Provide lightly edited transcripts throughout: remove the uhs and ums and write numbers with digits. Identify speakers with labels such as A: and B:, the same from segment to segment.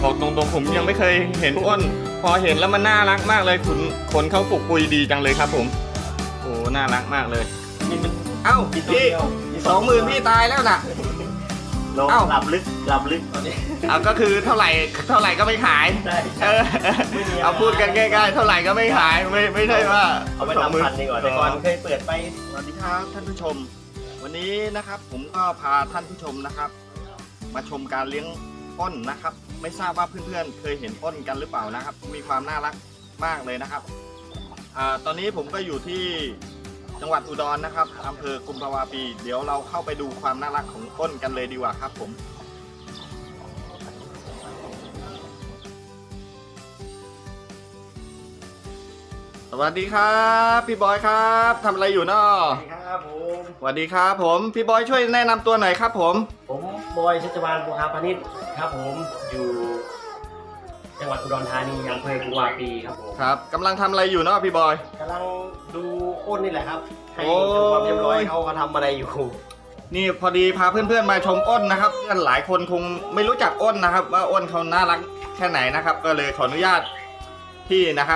A: บอกตรงๆผมยังไม่เคยเห็นอ้นพอเห็นแล้วมันน่ารักมากเลยขนเขาปลุกปุยดีจังเลยครับผมโอ้น่ารักมากเลยเอ้าพี่20,000พี่ตายแล้วน่ะ เอ้า
B: หลับลึกตอนนี้
A: เอาก็คือเท่าไหร่ก็ไม่ขาย
B: ใช่
A: เออเอาพูดกันง่ายๆเท่าไหร่ก็ไม่ขายไม่ใช่ว่า
B: เอาไปทำพันดีกว่าแต่ก่อนเคยเปิดไป
A: สวัสดีครับท่านผู้ชม วันนี้นะครับผมก็พาท่านผู้ชมนะครับ มาชมการเลี้ยงอ้นนะครับ ไม่ทราบว่าเพื่อนๆเคยเห็นอ้นกันหรือเปล่านะครับ มีความน่ารักมากเลยนะครับตอนนี้ผมก็อยู่ที่จังหวัดอุดรนะครับอำเภอกุมภาวาปีเดี๋ยวเราเข้าไปดูความน่ารักของอ้นกันเลยดีกว่าครับผมสวัสดีครับพี่บอยครับทำอะไรอยู่เนาะ
B: สวัสดีครับผม
A: สวัสดีครับผมพี่บอยช่วยแนะนำตัวหน่อยครับผม
B: ผมบอยชัชวาลบุหาพานิชครับผมอยู่จังหวัดอุดรธานีอำเภอกุมภาวาปีครับผม
A: ครับกำลังทำอะไรอยู่เนาะพี่บอย
B: กำลังดูอ้นนี่แหละครับให้
A: โอ้
B: ดูความเรียบร้อยเขาทำอะไรอยู่
A: นี่พอดีพาเพื่อนๆมาชมอ้นนะครับเพื่อนหลายคนคงไม่รู้จักอ้นนะครับ ว่าอ้นเขาน่ารักแค่ไหนนะครับ ก็เลยขออนุญาตพี่นะครับ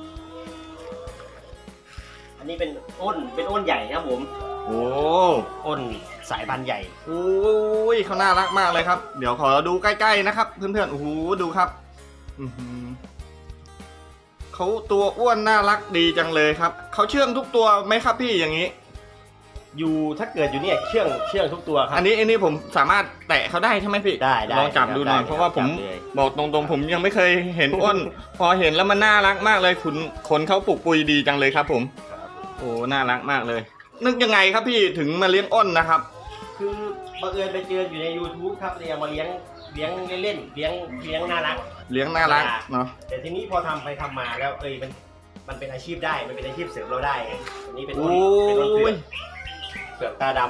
B: อันนี้เป็นอ้นใหญ่ครับผม
A: โอ้
B: อ้นสายพันธุ์ใหญ่
A: โอ้ยเขาน่ารักมากเลยครับ เดี๋ยวขอดูใกล้ๆนะครับเพื่อนๆโอ้โหดูครับอื้อหือเขาตัวอ้วนน่ารักดีจังเลยครับเขาเชื่องทุกตัวไหมครับพี่อย่างนี้
B: อยู่ถ้าเกิดอยู่เนี่ยเชื่องทุกตัวครับ
A: อันนี้ผมสามารถแตะเขาได้ใช่ไหมพี่
B: ได้
A: ลองจับดูหน่อย
B: ได้
A: เพราะว่าผม
B: จับเลย
A: บอกตรงๆผมยังไม่เคยเห็นอ้น พอเห็นแล้วมันน่ารักมากเลยขนเขาปลุกปุยดีจังเลยครับผม
B: ครับ
A: โอ้น่ารักมากเลย นึกยังไงครับพี่ถึงมาเลี้ยงอ้นนะครับ
B: คือบังเอิญไปเจออยู่ใน YouTube ครับเลยเอามาเลี้ยงเล่นๆเลี้ยงน่ารัก
A: เลี้ยงน่ารักเนาะ
B: แต่ทีนี้พอทำไปทำมาแล้วมันเป็นอาชีพได้มันเป็นอาชีพเสริมเราได้ไงอันนี้เป็น
A: โอ้
B: อ้นเผื
A: ย
B: อกตาด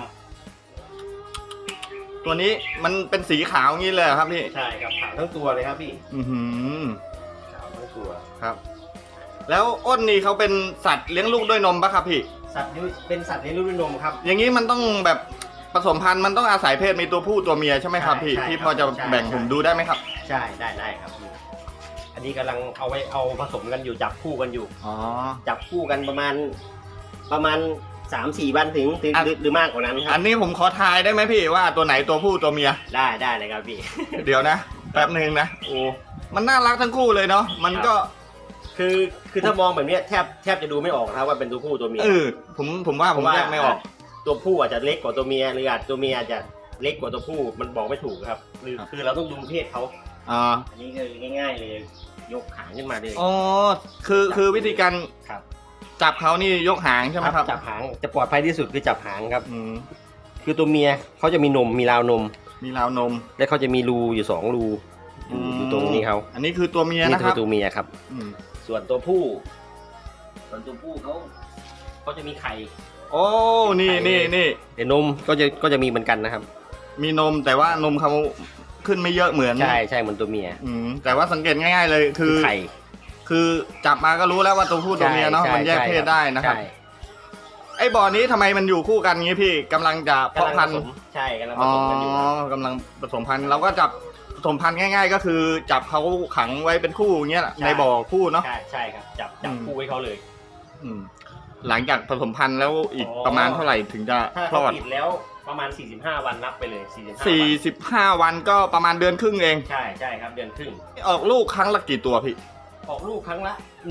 A: ตัวนี้มันเป็นสีขาวงี้เลยเหรอครับพี่
B: ำใช่ครับขาวทั้งตัวเลยครับพี่
A: อือหือ
B: ขาวทั้งตัว
A: ครับ แล้วอ้นนี่เขาเป็นสัตว์เลี้ยงลูกด้วยนมปะครับพี่
B: เป็นสัตว์เลี้ยงลูกด้วยนมครับ
A: อย่างนี้มันต้องแบบผสมพันธุ์มันต้องอาศัยเพศมีตัวผู้ตัวเมียใช่ไหมครับพี่
B: ใช่
A: พี่พอจะ
B: ใช่
A: แบ่งผมดูได้ไหมครับ
B: ใช่ได้ครับพี่อันนี้กำลังเอาผสมกันอยู่จับคู่กันอยู่
A: อ๋อ
B: จับคู่กันประมาณ 3-4 วันถึง
A: อ่ะ
B: หรือมากกว่านั้นค
A: อั
B: รับ
A: นนี้ผมขอทายได้ไหมพี่ว่าตัวไหนตัวผู้ตัวเมีย
B: ได้เลยครับพี่
A: เดี๋ยวนะแป๊บหนึ่งนะโอ้มันน่ารักทั้งคู่เลยเนาะมันก็
B: คือถ้ามองแบบเนี้ยแทบจะดูไม่ออกนะครับว่าเป็นตัวผู้ตัวเมีย
A: ผมว่าผมแยกไม่ออก
B: ตัวผู้อาจจะเล็กกว่าตัวเมียหรืออาจตัวเมียอาจจะเล็กกว่าตัวผู้มันบอกไม่ถูกครับคือเราต้องดูเพศเขา
A: อ่า
B: อันนี้คือง่ายๆเลยยกหางขึ้นมาเลย
A: อ๋อคือวิธีการ
B: ครับ
A: จับเขานี่ยกหางใช่ไหมครับ
B: จับหางจะปลอดภัยที่สุดคือจับหางครับ
A: อืม
B: คือตัวเมียเขาจะมีนมมีราวนม
A: มีราวนม
B: และเขาจะมีรูอยู่2รูอยู่ตรงนี้เขา
A: อันนี้คือตัวเมีย
B: นี่
A: นะค
B: คื
A: รั
B: อบ ตัวเมียครับ
A: อืม
B: ส่วนตัวผู้เขาจะมีไข่
A: โอ้นี่
B: แต่นมก็จะมีเหมือนกันนะครับ
A: มีนมแต่ว่านมเขาขึ้นไม่เยอะเหมือน
B: ใช่เหมือนตัวเมีย
A: แต่ว่าสังเกตง่ายๆเลยคือ
B: ไข่
A: คือจับมาก็รู้แล้วว่าตัวผู้ตัวเมียเนาะ
B: ใช่
A: มันแยกเพศได้นะครับ
B: ใช่
A: ไอ้บ่อนี้ทำไมมันอยู่คู่กันงี้พี่กำลังจะเพาะพันธุ์
B: ใช่กำลังผ
A: อ๋อ
B: สมกันอยู่ครับ
A: กำลังผสมพันธุ์เราก็จับผสมพันธุ์ง่าย ๆ ก็คือจับเขาขังไว้เป็นคู่อย่างเงี้ยแหละในบ่อคู่เนาะ
B: ใช่ครับจับ
A: อืม
B: คู่ไว้เขาเลย
A: อืมหลังจากผสมพันธุ์แล้วอีกประมาณเท่าไหร่ถึงจะ
B: ถ้า
A: คล
B: เขา
A: อด
B: ติดแล้วประมาณ45 วันนับไปเลย45 วัน
A: 45 วันก็ประมาณเดือนครึ่งเอง
B: ใช่ครับเดือนครึ่ง
A: ออกลูกครั้งละกี่ตัวพี่
B: ออกลูกครั้งละ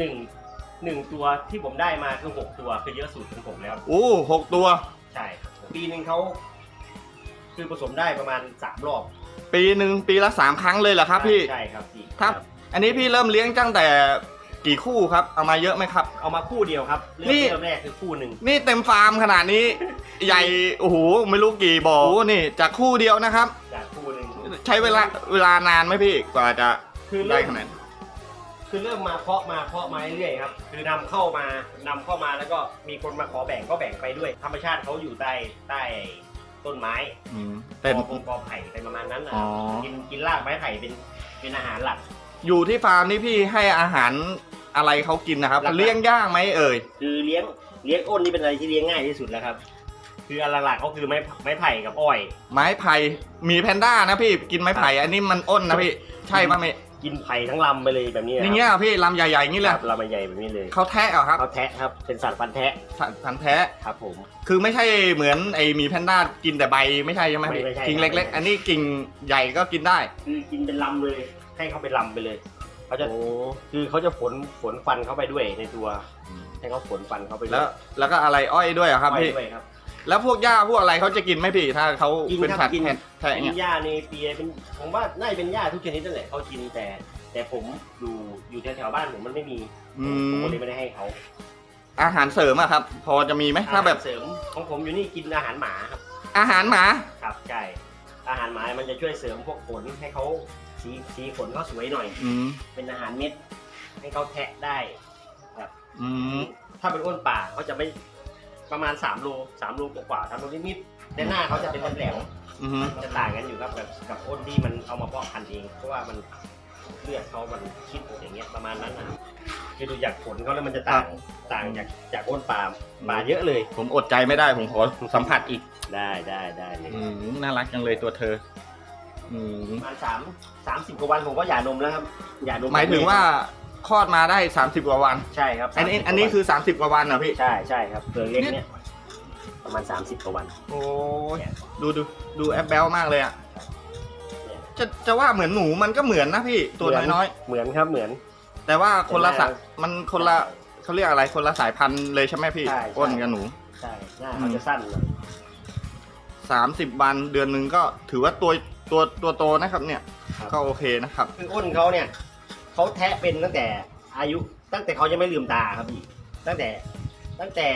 B: 1ตัวที่ผมได้มาคือ6ตัวคือเยอะสุดของผมแล้ว
A: โอ้6 ตัว
B: ใช่ครับปีหนึ่งเขาคือผสมได้ประมาณ3 รอบ
A: ปีหนึ่งปีละ3 ครั้งเลยเหรอครับพี่
B: ใช่ครับพี่
A: ครับ อันนี้พี่เริ่มเลี้ยงตั้งแต่กี่คู่ครับเอามาเยอะไหมครับ
B: เอามาคู่เดียวครับเริ่
A: นี่
B: มแรกคือคู่หนึ่ง
A: นี่เต็มฟาร์มขนาดนี้ ใหญ่โอ้โหไม่รู้กี่บ่อโอ้นี่จากคู่เดียวนะครับ
B: จากคู่หนึ่ง
A: ใช้เวลานานไหมพี่กว่าจะ
B: คือ
A: ได้
B: เริ่ม
A: ขนาดนั้น
B: คือเริ่มมาเพาะมาเรื่อยๆครับคือนำเข้ามาแล้วก็มีคนมาขอแบ่งก็แบ่งไปด้วย ธรรมชาติเขาอยู่ใต้ต้นไม้
A: เป็น
B: กอไผ่เป็นประมาณนั้นนะ
A: อ๋อ
B: กินรากไม้ไผ่เป็นอาหารหลัก
A: อยู่ที่ฟาร์มนี่พี่ให้อาหารอะไรเขากินนะครับ
B: หลักๆ
A: เลี้ยงยากไหมเอ่ย
B: คือเลี้ยงอ้นนี่เป็นอะไรที่เลี้ยงง่ายที่สุดแล้วครับ คืออันหลักๆก็คือไม้ไผ่กับอ้อย
A: ไม้ไผ่มีแพนด้านะพี่กินไม้ไผ่อันนี้มันอ้นนะพี่ใช่ป่ะไม่
B: กกินไผ่ทั้งลำไปเลยแบบนี้
A: อย่างเงี้ยพี่ลำใหญ่ๆอย่างนี้เลย
B: ครับลำใหญ่แบบนี้เลย
A: เขาแทะเหรอครับ
B: เขาแทะครับเป็นสัตว์ฟันแทะ
A: สันแทะ
B: ครับผม
A: คือไม่ใช่เหมือนไอ้หมีแพนด้ากินแต่ใบไม่ใช่ใช่ไหมพี่
B: ไม่ใช่
A: กิ่ง
B: ครับ
A: เล็กๆ อันนี้กิ่งใหญ่ก็กินได้
B: คือกินเป็นลำเลย ให้เขาเป็นลำไปเลยเขาจะคือเขาจะฝนฟันเข้าไปด้วยในตัวให้เขาฝนฟันเข้าไปด้วย
A: แล้วก็อะไรอ้อยด้วยเหรอครับพี่
B: ด้วยครับ
A: แล้วพวกหญ้าพวกอะไรเขาจะกินไหมพี่ถ้าเขา
B: กิน
A: เป็น
B: ครับ
A: สัตว์
B: กิน
A: แทะ
B: กิ
A: เนี่ย
B: นหญ้าในเปียเป็นผมว่าน่าจะเป็นหญ้าทุกชนิดนั่นแหละเขากินแต่ผมอยู่แถวๆบ้านผมมันไม่มีผมก็เลยไม่ได้ให้เขา
A: อาหารเสริมอะครับ พอจะมีไหมถ้าแบบ
B: อาหรเสริมของผมอยู่นี่กินอาหารหมาครับ
A: อาหารหมา
B: ครับใช่อาหารหมามันจะช่วยเสริมพวกขนให้เขาสีขนเขาสวยหน่อย
A: อืม
B: เป็นอาหารเม็ดให้เขาแทะได้ครับ
A: อืม
B: ถ้าเป็นอ้นป่าเขาจะไม่ประมาณ3 โลกว่า3 โลนิดๆแต่หน้าเขาจะเป็นแหลม
A: อืม
B: ๆจะต่างกันอยู่ครับกับอ้นที่มันเอามาเพาะพันธุ์เองเพราะว่ามันเลือดเขามันคิดอย่างเงี้ยประมาณนั้นนะคือดูจากขนเขาแล้วมันจะต่างจากอ้นป่าเยอะเลย
A: ผมอดใจไม่ได้ผมขอสัมผัสอีก
B: ได้เลย
A: น่ารักจังเลยตัวเธอ
B: ประมาณ30 กว่าวันผมก็หย่านมแล้วครับหย่านม
A: หมายถึงว่าคลอดมาได้30 กว่าวัน
B: ใช่ครับ
A: อันนี้คือ30 กว่าวันเหรอพี่
B: ใช่ครับเปลือกเล็กเนี่ยประมาณ30 กว่าวัน
A: โอ้ยดูแอปเบลมากเลยอ่ะจะว่าเหมือนหนูมันก็เหมือนนะพี่ตัวน้อย
B: เหมือนครับเหมือน
A: ๆแต่ว่าคนละสัตว์มันคนละเขาเรียกอะไรคนละสายพันธุ์เลยใช่ไหมพี่
B: ใช่
A: อ้นกับหนู
B: ใช่หน้าเขาจะสั้นหน่อย
A: 30 วันเดือนหนึ่งก็ถือว่าตัวโตนะครับเนี่ยก็โอเคนะครับ
B: คืออ้นเขาเนี่ยเขาแทะเป็นตั้งแต่เขายังไม่ลืมตาครับพี่ตั้งแต่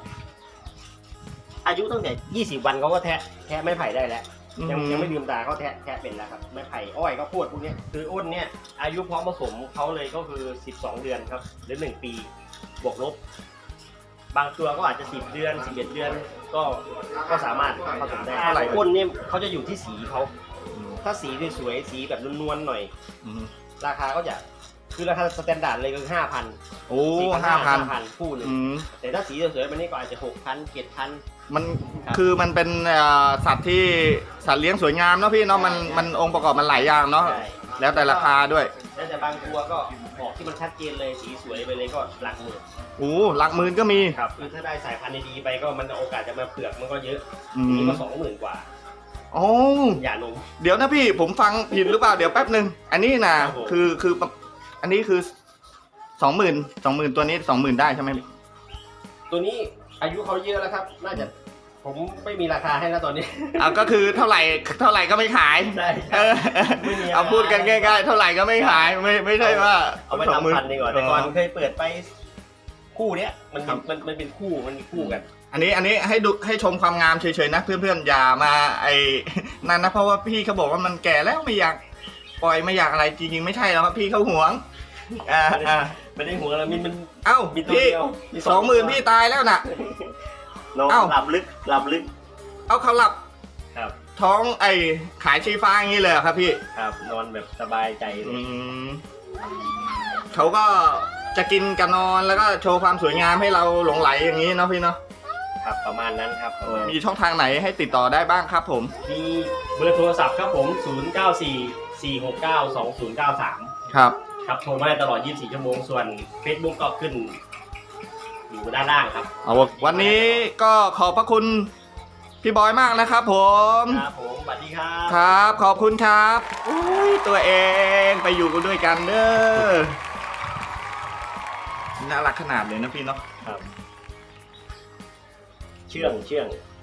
B: อายุตั้งแต่20 วันเขาก็แทะไม้ไผ่ได้แล้วยังไม่ลืมตาเขาแทะเป็นแล้วครับไม้ไผ่อ้อยก็พูดพวกนี้คืออ้นเนี่ยอายุพร้อมผสมเขาเลยก็คือ12 เดือนครับหรือ1 ปีบวกลบบางตัวก็อาจจะ10 เดือน11 เดือนก็สามารถผสมได้เท่าไหร่อ้นเนี่ยเขาจะอยู่ที่สีเขาถ้าสีสวยๆสีแบบนวลๆหน่อยราคาก็จะคือราคาสแตนดาร์ดเลยก็คือ 5,000
A: โอ้5,000
B: คู่หนึ่งแต่ถ้าสีสวยๆมันนี่ก็อาจจะ 6,000 7,000
A: มันคือมันเป็นสัตว์ที่สัตว์เลี้ยงสวยงามเนาะพี่เนาะมันองค์ประกอบมันหลายอย่างเนาะแล้วแต่ราคาด้วย
B: แล้วแต่บางตัวก็ออกที่มันชัดเจนเลยสีสวยไปเลยก็หลักหมื่น
A: โอ้หลักหมื่นก็มี
B: ครับคือถ้าได้สายพันธุ์ดีๆไปก็มันโอกาสจะมาเปลือกมันก็เยอะนี่ก็20,000 กว่า
A: โอ้
B: อย่านม
A: เดี๋ยวนะพี่ผมฟังผิดหรือเปล่าเดี๋ยวแป๊บหนึ่งอันนี้นะคืออันนี้คือ20,000ตัวนี้20,000ได้ใช่ไหม
B: ตัวนี้อายุเขาเยอะแล้วครับน่าจะผมไม่มีราคาให้แล้วตอนนี้
A: เอาก็คือเท่าไหร่ก็ไม่ขาย
B: ใช่
A: เอาพูดกันง่ายๆเท่าไหร่ก็ไม่ขายไม่ใช่ว่า
B: เอาไปทำพันธุ์ดีกว่าแต่ก่อนเคยเปิดไปคู่เนี้ยมันเป็นคู่มันมีคู่กัน
A: อันนี้ให้ชมความงามเฉยๆนะเพื่อนๆอย่ามานั่นนะเพราะว่าพี่เขาบอกว่ามันแก่แล้วไม่อยากปล่อยไม่อยากอะไรจริงๆไม่ใช่แล้วครับพี่เขาหวง
B: ไม่ได้หัวแล้วมัน
A: เอ้า
B: มีตัว
A: พี่
B: เดียว
A: 20,000พี่ตายแล้วน่ะ
B: น้อง
A: เอ้า
B: หลับลึก
A: เอาเขาหลับ
B: ครับ
A: ท้องขายชีฟ้าอย่างนี้เลยเหรอครับพี่
B: ครับนอนแบบสบายใจเลย
A: เขาก็จะกินกันนอนแล้วก็โชว์ความสวยงามให้เราหลงไหลอย่างนี้เนาะพี่เนาะ
B: ครับประมาณนั้นครับ
A: มีช่องทางไหนให้ติดต่อได้บ้างครับผม
B: มีเบอร์โทรศัพท์ครับผม 0944692093
A: ครับ
B: ครับโทรมาได้ตลอด 24 ชั่วโมงส่วน Facebook ก็ขึ้นอยู่ด้านล่างครับ
A: เอาวันนี้ก็ขอบพระคุณพี่บอยมากนะครับผม
B: ครับผมสวัสดีครับ
A: ครับขอบคุณครับอุ้ยตัวเองไปอยู่กันด้วยกันเด้อน่ารักขนาดเลยนะพี่เนาะ
B: ครับเชื่อง